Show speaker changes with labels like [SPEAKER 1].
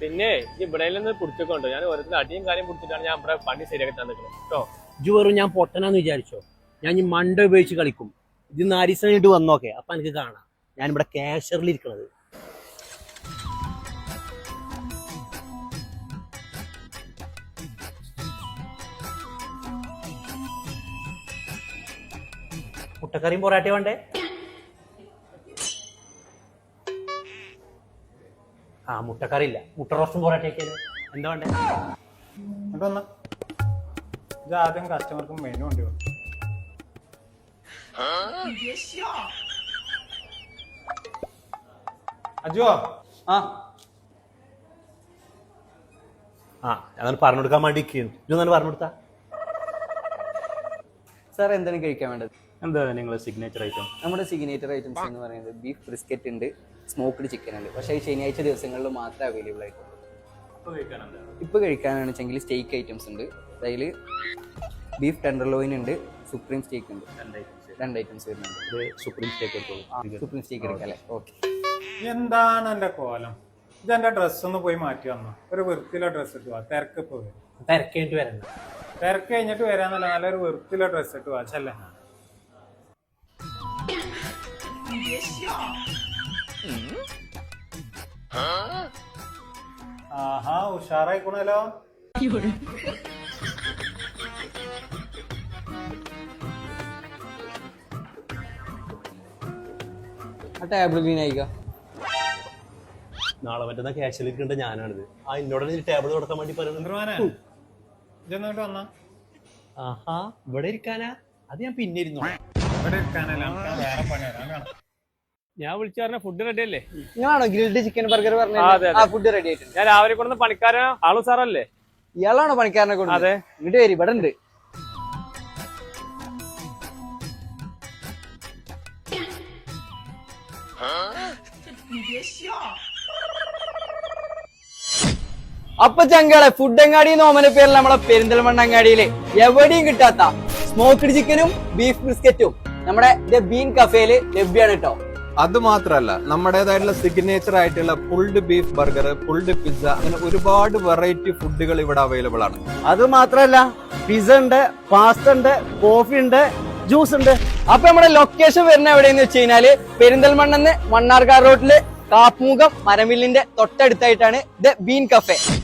[SPEAKER 1] പിന്നെ ഇവിടെ നിന്ന് പിടിച്ചോണ്ടോ ഞാൻ ഓരോരുത്തർ അടിയും കാര്യം പിടിച്ചിട്ടാണ് ഞാൻ ഇവിടെ പണി ശരിയാക്കി തന്നിട്ടുള്ളത് കേട്ടോ.
[SPEAKER 2] വെറും ഞാൻ പൊട്ടനാന്ന് വിചാരിച്ചോ? ഞാൻ ഈ മണ്ട ഉപയോഗിച്ച് കളിക്കും. ഇത് 4 ദിവസം കഴിഞ്ഞിട്ട് വന്നോക്കെ, അപ്പൊ എനിക്ക് കാണാം ഞാൻ ഇവിടെ കാഷറിൽ ഇരിക്കണത്. മുട്ടക്കറിയും പൊറാട്ട വേണ്ടേ? ആ മുട്ടക്കറി ഇല്ല, മുട്ട റോസ്റ്റും പൊറാട്ടയൊക്കെ എന്താ വേണ്ടേ?
[SPEAKER 3] ഇത് ആദ്യം കസ്റ്റമർക്ക് മെനു ഉണ്ട്. അജുവോ
[SPEAKER 2] ഞാൻ പറഞ്ഞു കൊടുക്കാൻ വേണ്ടി ഇതൊന്നും പറഞ്ഞു കൊടുത്താ.
[SPEAKER 4] സാർ എന്താണ് കഴിക്കാൻ വേണ്ടത്?
[SPEAKER 5] എന്താ നിങ്ങളെ സിഗ്നേച്ചർ ഐറ്റം?
[SPEAKER 4] നമ്മുടെ സിഗ്നേച്ചർ ഐറ്റംസ് എന്ന് പറയുന്നത് ബീഫ് ബ്രിസ്ക്കറ്റ് ഉണ്ട്, സ്മോക്ക്ഡ് ചിക്കൻ ഉണ്ട്. പക്ഷേ ഈ ശനിയാഴ്ച ദിവസങ്ങളിൽ മാത്രമേ അവൈലബിൾ ആയിട്ടുള്ളൂ. ഇപ്പോൾ കഴിക്കാനാണെന്ന് വെച്ചെങ്കിൽ സ്റ്റേക്ക് ഐറ്റംസ് ഉണ്ട്. അതിൽ ബീഫ് ടെൻഡർലോയിൻ ഉണ്ട്, സുപ്രീം സ്റ്റേക്ക് ഉണ്ട്. 2 ഐറ്റംസ് വരുന്നുണ്ട്.
[SPEAKER 5] സുപ്രീം സ്റ്റേക്ക് എടുത്തോളൂ.
[SPEAKER 4] സുപ്രീം സ്റ്റേക്ക് എടുക്കാം അല്ലേ? ഓക്കെ.
[SPEAKER 3] എന്താണ് എന്റെ കോലം? ഇതെന്റെ ഡ്രസ്സ് ഒന്ന് പോയി മാറ്റി വന്നോ. ഒരു വൃത്തിയിലെ ഡ്രസ്സ് ഇട്ട് പോവാ. തിരക്ക് പോയി
[SPEAKER 2] തിരക്കേണ്ടി വരണ്ട.
[SPEAKER 3] തിരക്ക് കഴിഞ്ഞിട്ട് വരാന്നല്ല, നല്ലൊരു വൃത്തിയിലെ ഡ്രസ്സ് ഇട്ട് പോവാ. ചെല്ലേ ആഹാ, ഉഷാറായിക്കണല്ലോ.
[SPEAKER 4] ആ ടേബിൾ ക്ലീൻ ആയിക്കാം.
[SPEAKER 2] നാളെ മറ്റന്നാ ക്യാഷിൽ ഇരിക്കേണ്ട ഞാനാണിത്. എന്നോട് ടേബിൾ കൊടുക്കാൻ വേണ്ടി പറയുന്നത്.
[SPEAKER 3] ഇതൊന്നോട്ട് വന്നാ.
[SPEAKER 2] ആഹാ, ഇവിടെ ഇരിക്കാനാ? അത് ഞാൻ പിന്നെ ഇരുന്നു.
[SPEAKER 3] ഇവിടെ ഇരിക്കാനല്ല, വേറെ പണി വരാൻ.
[SPEAKER 1] ഞാൻ വിളിച്ചു പറഞ്ഞ ഫുഡ് റെഡി അല്ലേ?
[SPEAKER 4] നിങ്ങളാണോ ഗ്രിൽഡ് ചിക്കൻ ബർഗർ
[SPEAKER 1] അതെ,
[SPEAKER 4] പറഞ്ഞത്?
[SPEAKER 1] അതെ.
[SPEAKER 4] ആ ഫുഡ് റെഡി ആയിട്ടുണ്ട്.
[SPEAKER 1] ഞാൻ രാവിലെ കൊണ്ടുവന്ന പണിക്കാരൻ ആളു സാറല്ലേ?
[SPEAKER 4] ഇയാളാണോ പണിക്കാരനെ കൊണ്ട്?
[SPEAKER 1] അതെ.
[SPEAKER 4] ഇങ്ങോട്ട് വരി, ഇവിടെ ഉണ്ട്. അപ്പൊ ചങ്കളെ ഫുഡങ്ങാടി നോമന പേരിൽ നമ്മളെ പെരിന്തൽമണ്ണ അങ്ങാടിയില് എവിടെയും കിട്ടാത്ത സ്മോക്ക്ഡ് ചിക്കനും ബീഫ് ബ്രിസ്ക്കറ്റും നമ്മുടെ ദ ബീൻ കഫേയില് ലഭ്യമാണ് കേട്ടോ.
[SPEAKER 6] അത് മാത്രല്ല, നമ്മുടേതായിട്ടുള്ള സിഗ്നേച്ചർ ആയിട്ടുള്ള pulled beef burger, pulled pizza, അങ്ങനെ ഒരുപാട് വെറൈറ്റി ഫുഡുകൾ ഇവിടെ അവൈലബിൾ ആണ്.
[SPEAKER 2] അത് മാത്രല്ല, പിസ്സ ഉണ്ട്, പാസ്ത ഉണ്ട്, കോഫി ഉണ്ട്, ജ്യൂസ് ഉണ്ട്.
[SPEAKER 4] അപ്പൊ നമ്മുടെ ലൊക്കേഷൻ വരുന്ന എവിടെയെന്ന് വെച്ച് കഴിഞ്ഞാല് പെരിന്തൽമണ്ണെന്ന് മണ്ണാർക്കാട് റോഡില് കാപ്പുമുഖം മരമില്ലിന്റെ തൊട്ടടുത്തായിട്ടാണ് ദ ബീൻ കഫേ.